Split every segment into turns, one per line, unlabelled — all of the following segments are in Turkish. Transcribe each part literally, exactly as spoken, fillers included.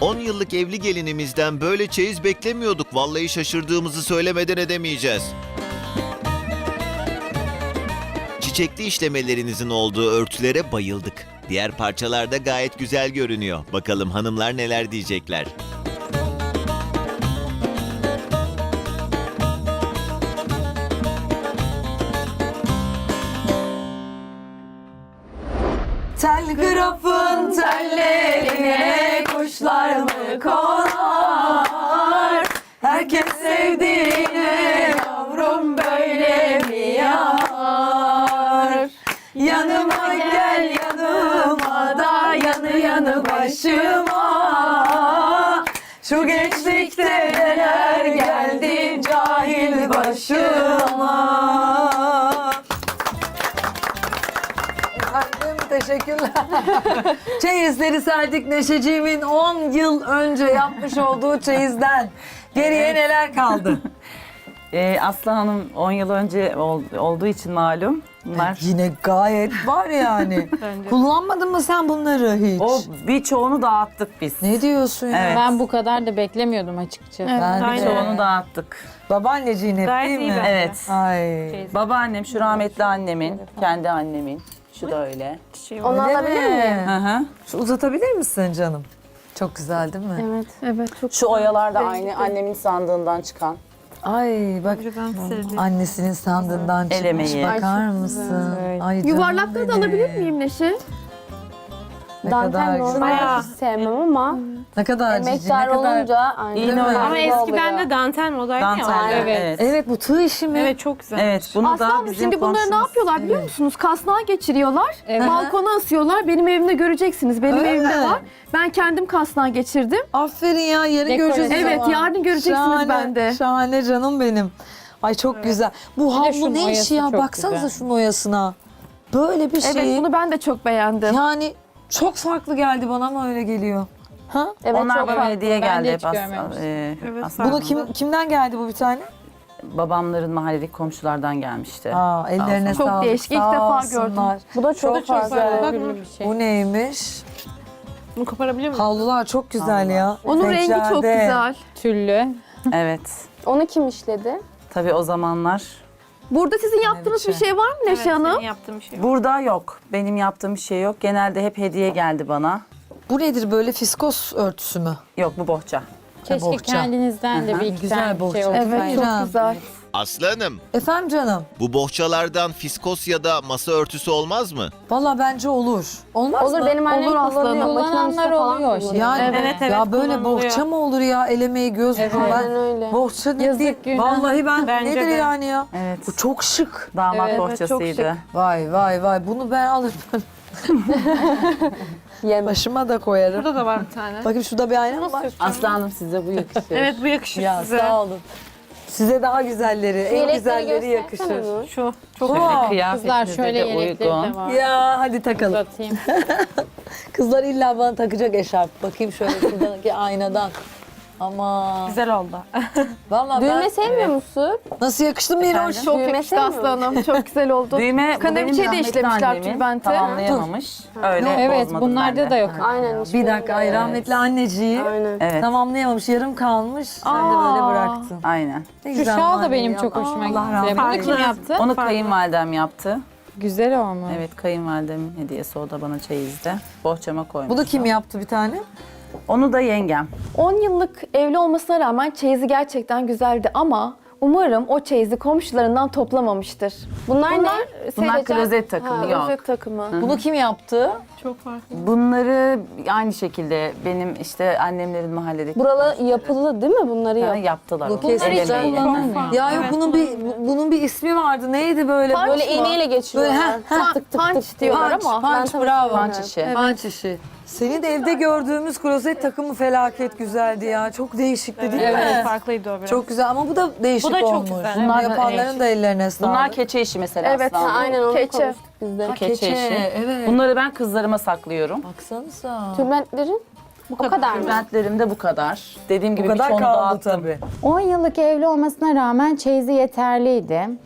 on yıllık evli gelinimizden böyle çeyiz beklemiyorduk. Vallahi şaşırdığımızı söylemeden edemeyeceğiz. Çiçekli işlemelerinizin olduğu örtülere bayıldık. Diğer parçalar da gayet güzel görünüyor. Bakalım hanımlar neler diyecekler.
Telgrafın tellerine kuşlar mı konar? Herkes sevdiğine yavrum böyle mi yanar? Yanıma gel yanıma da yanı yanı başıma. Şu gençlikte neler geldi cahil başıma. Efendim teşekkürler. Çeyizleri serdik Neşeciğimin on yıl önce yapmış olduğu çeyizden. Geriye neler kaldı?
Ee, Aslı Hanım on yıl önce ol- olduğu için malum. Bunlar
Yine gayet var yani. Kullanmadın mı sen bunları hiç?
o birçoğunu dağıttık biz.
Ne diyorsun ya?
Evet.
Ben bu kadar da beklemiyordum açıkçası.
Ben de.
Birçoğunu dağıttık.
Babaanneciğin hep değil mi?
Evet.
Ay.
Babaannem, şu rahmetli annemin, kendi annemin. Şu da öyle.
Onu alabilir miyim?
Hı hı.
Şu uzatabilir misin canım? Çok güzel değil mi?
Evet, evet çok
Şu oyalar da aynı annemin sandığından çıkan.
Ay bak annesinin sandığından çıkmış.
emeği.
Bakar mısın? Ay, canım
Yuvarlakları da
benim.
alabilir miyim Neşe?
Ne kadar
Dantel
güzel.
normalde hiç sevmem ama
Ne kadar cici, ne
emektar
kadar...
olunca aynı.
İğne
Ama
oynadı.
Ama eskiden de dantel modaydı ya.
Dantel.
Evet.
Evet.
Evet bu tığ işi mi?
Evet çok güzel.
Evet, bunu da
Aslanım
bizim
şimdi bunları ne
komşumuz-
yapıyorlar biliyor musunuz? Kasnağa geçiriyorlar,
Evet.
balkona asıyorlar. Benim evimde göreceksiniz. Benim
Öyle
evimde
mi?
var. Ben kendim kasnağa geçirdim.
Aferin ya yarın
Dekore.
göreceğiz. o
Evet,
zaman.
yarın göreceksiniz
Şahane,
bende.
Şahane canım benim. Ay çok güzel. Bu
de
havlu
şunun
ne işi
oyası
ya?
çok
Baksanıza
güzel.
şunun oyasına. Böyle bir şey.
Evet, bunu ben de çok beğendim.
Yani çok farklı geldi bana ama öyle geliyor. Ha?
Evet
Onlar
çok
bana
farklı.
hediye
Ben de
geldi.
hiç
Bas-
görmemiştim.
e,
Evet,
Aslı
Bunu
Hanım.
kim kimden geldi bu bir tane?
Babamların mahalledeki komşulardan gelmişti.
Aa, ellerine
Çok
sağlık.
değişik, ilk
sağ
defa
olsunlar.
gördüm.
Bu da çok, farklı.
Bakın
bir şey.
Bu neymiş?
bunu koparabilir miyim?
Havlular çok güzel ya.
Onun rengi çok
Seccade.
güzel.
Tüllü.
Evet.
Onu kim işledi?
Tabii o zamanlar.
Burada sizin yaptığınız bir
biçim.
şey var mı
Evet,
Neşe Hanım?
senin yaptığın bir şey. yok.
Burada yok. Benim yaptığım bir şey yok. Genelde hep hediye geldi bana.
Bu nedir böyle fiskos örtüsü mü?
Yok, bu bohça.
Keşke
bohça.
kendinizden de bir iki
Güzel
tane bir
bohça.
şey olsaydı.
Evet, çok
Bayram.
güzel.
Aslı Hanım,
Efendim canım.
bu bohçalardan fiskos ya da masa örtüsü olmaz mı?
Valla bence olur. Olmaz
Olur
mı?
benim annem
Olur aslanım.
kullanıyor. Makinenin
Kullananlar
üstüne falan
oluyor
kullanıyor.
şimdi.
Yani
Evet, evet,
ya böyle
kullanılıyor.
bohça mı olur ya? El emeği göz
Evet.
falan.
Aynen öyle.
Bohça ne
Yazık,
değil.
günah.
Vallahi ben
Bence
nedir
de.
yani ya?
Evet.
Bu çok şık.
Damat
Evet,
evet, çok
bohçasıydı.
Vay vay vay bunu ben alırım.
Yem.
Başıma da koyarım.
Burada da var bir tane.
Bakayım şurada bir ayna mı var?
Aslı Hanım size bu yakışıyor.
Evet bu yakışır
Ya
size.
sağ olun. Size daha güzelleri, en
Yelekleri
güzelleri
göstersene
yakışır.
Nur.
Şu çok
Bu.
Kızlar
Kıyafetinize
şöyle
de
yelekleri
uygun.
de var.
Ya hadi takalım.
Uzatayım.
Kızlar illa bana takacak eşarp. Bakayım şöyle şuradaki aynadan. Ama
güzel oldu.
vallahi
Düğme
ben
sevmiyor musun?
nasıl yakıştı Miroş?
Çok
Düğme
yakıştı
sevmiyor
Aslı Hanım. Çok güzel oldu.
Düğme bu
Kaneviçeyi
benim
de
rahmetli
işlemişler
annemin
tülbente.
tamamlayamamış. Öyle
Evet,
bozmadım
bunlarda
ben de.
da yok.
Aynen. hiç
Bir dakika ay
bilmiyorum.
rahmetli anneciği
Aynen.
Evet,
tamamlayamamış, yarım kalmış. Sen de
Aa.
böyle bıraktın.
aynen.
Ne
Şu
güzel
şal da
manevi
benim
ya.
çok hoşuma
Allah
gitti.
rahmet
Bunu
eylesin.
kim yaptı?
Onu kayınvalidem yaptı.
Güzel olmuş.
Evet, kayınvalidemin hediyesi, o da bana çeyizde. Bohçama koymuş.
Bunu kim yaptı bir tane?
Onu da yengem.
on yıllık evli olmasına rağmen çeyizi gerçekten güzeldi ama umarım o çeyizi komşularından toplamamıştır.
Bunlar,
Bunlar,
ne?
Bunlar
Serecen-
klozet takımı,
Ha,
yok.
klozet takımı.
Bunu kim yaptı?
Çok farklı.
Bunları aynı şekilde benim işte annemlerin mahalledeki
Buralı yapılı değil mi? Bunları
Ha,
yap.
yaptılar.
Bu
onu.
kesin
El
hiç
emeği.
kullanılmıyor.
Ya yok
Evet,
bunun bir bu- bunun bir ismi vardı. Neydi böyle?
Punch
Böyle
mı?
iğneyle geçiriyorlar.
Böyle, heh,
tık tık
punch
tık
diyorlar
Punch,
ama.
punch,
Ben
bravo.
tanıştırıyorum.
Punch işi.
Punch işi. Senin de evde gördüğümüz klozet takımı felaket güzeldi ya. Çok değişikti değil
Evet,
mi?
farklıydı o biraz.
Çok güzel ama bu da değişik
Bu da çok
olmuş.
güzel.
Bunlar da
Yapanların
değişik.
da ellerine sağlık.
Bunlar keçe işi mesela
Evet,
Aslı
Ha,
Hanım.
aynen onu
Keçe.
konuştuk biz de.
Keçe,
Keçe,
işi.
evet.
Bunları ben kızlarıma saklıyorum.
Baksanıza.
Tülbentlerin bu kadar, mı?
Bentlerim de bu kadar. Dediğim
Bu
gibi
kadar
birçoğunu
kaldı
dağıttım.
tabii.
on yıllık evli olmasına rağmen çeyizi yeterliydi.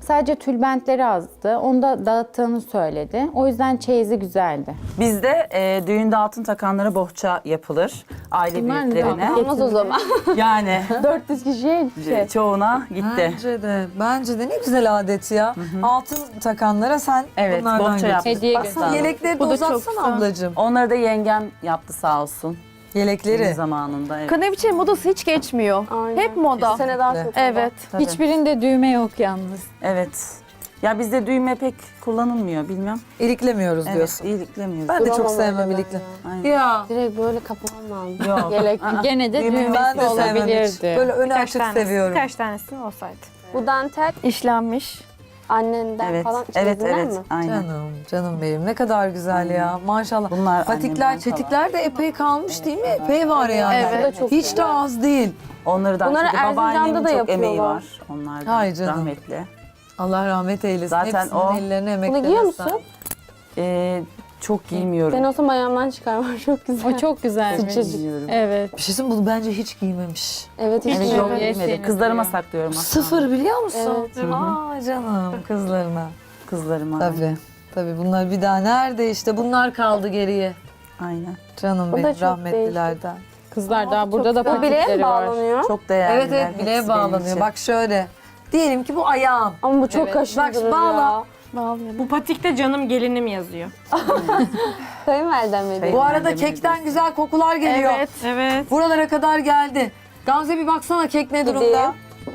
Sadece tülbentleri azdı. Onu da dağıttığını söyledi. O yüzden çeyizi güzeldi.
Bizde e, düğünde altın takanlara bohça yapılır. Aile
Bunlar ne
büyüklerine.
Olmaz o zaman.
Yani
dört yüz kişiye şey.
çoğuna gitti.
Bence de. Bence de ne güzel adet ya. Altın takanlara sen
Evet,
bunlardan
bohça
getir.
yaptık.
Hediye
Baksana
götürdüm.
yelekleri de
Bu da çok
uzatsana
güzel.
ablacığım.
Onları da yengem yaptı sağ olsun.
Yelekleri.
Düğün zamanında. Evet.
Kaneviçe modası hiç geçmiyor.
Aynen.
Hep moda.
Bu sene daha çok moda.
Evet.
Tabii.
Hiçbirinde düğme yok yalnız.
Evet. Ya bizde düğme pek kullanılmıyor bilmem.
İliklemiyoruz
Evet,
diyorsun.
iyileklemiyoruz.
Ben de çok
Duramam
sevmem
öyle ben
ilikli.
Aynen.
Ya.
Direkt böyle kapamam lazım.
Yok.
Yelek.
Gene de
Düğme
Ben
düğmesi
de sevmem hiç.
olabilirdi.
Böyle önü
Birkaç
açık
tanesi,
seviyorum.
Birkaç tanesi olsaydı.
Bu dantel
İşlenmiş.
annenden
Evet,
falan
evet,
çeyizinden
evet.
mi?
Aynen.
Canım, canım benim. Ne kadar güzel ya. Maşallah.
Bunlar
Patikler,
annemden
çetikler de epey kalmış değil mi? Epey var yani.
Evet, bu da çok
Hiç de
güzel.
az değil.
Onları da
Bunları
çünkü
Erzincan'da
babaannemin
da
çok emeği
yapıyorlar.
var. Onlar da
Hay canım.
rahmetli.
Allah rahmet eylesin.
Zaten
Hepsinin
o-
ellerine
Bunu
emeklerine
giyiyor
sağlık.
musun?
Ee, çok giymiyorum.
Ben olsam ayağımdan çıkarmam. Çok güzel.
O çok güzelmiş.
Giymiyorum.
Evet.
Bir şey söyleyeyim mi? Bunu bence hiç giymemiş.
Evet hiç
Evet,
evet,
yok
Evet.
giymedim. Kızlarıma saklıyorum aslında.
Sıfır biliyor musun?
Evet.
Aa canım kızlarına.
Kızlarıma.
Tabii. Tabii bunlar bir daha nerede işte bunlar kaldı geriye.
Aynen.
Canım
Bu da
benim
çok
rahmetlilerden.
Kızlar daha burada da
Bu bileğe mi
patikleri var.
bağlanıyor?
Çok değerli.
Evet evet bileğe bağlanıyor. Bak şöyle. Diyelim ki bu ayağım.
Ama bu çok
Evet.
kaşındırır
Bak, bağla.
ya.
Bu patikte canım gelinim yazıyor.
Kayınvalidem benim.
Bu arada
Yemin
kekten
ederim.
güzel kokular geliyor.
Evet.
Evet.
Buralara kadar geldi. Gamze bir baksana kek ne durumda?
Gideyim.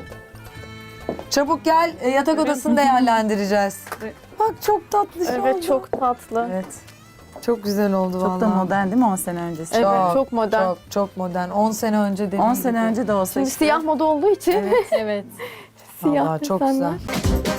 Çabuk gel e, yatak odasını değerlendireceğiz. Bak çok tatlı şey oldu.
Evet çok tatlı.
Evet.
Çok güzel oldu
Çok
vallahi.
da modern değil mi on sene öncesi?
Evet
Çok,
çok modern.
Çok çok modern. on sene önce dediğim
on sene
gibi.
önce de olsa
Şimdi
işte.
siyah moda olduğu için
Evet.
siyah
Vallahi çok
desenler.
güzel.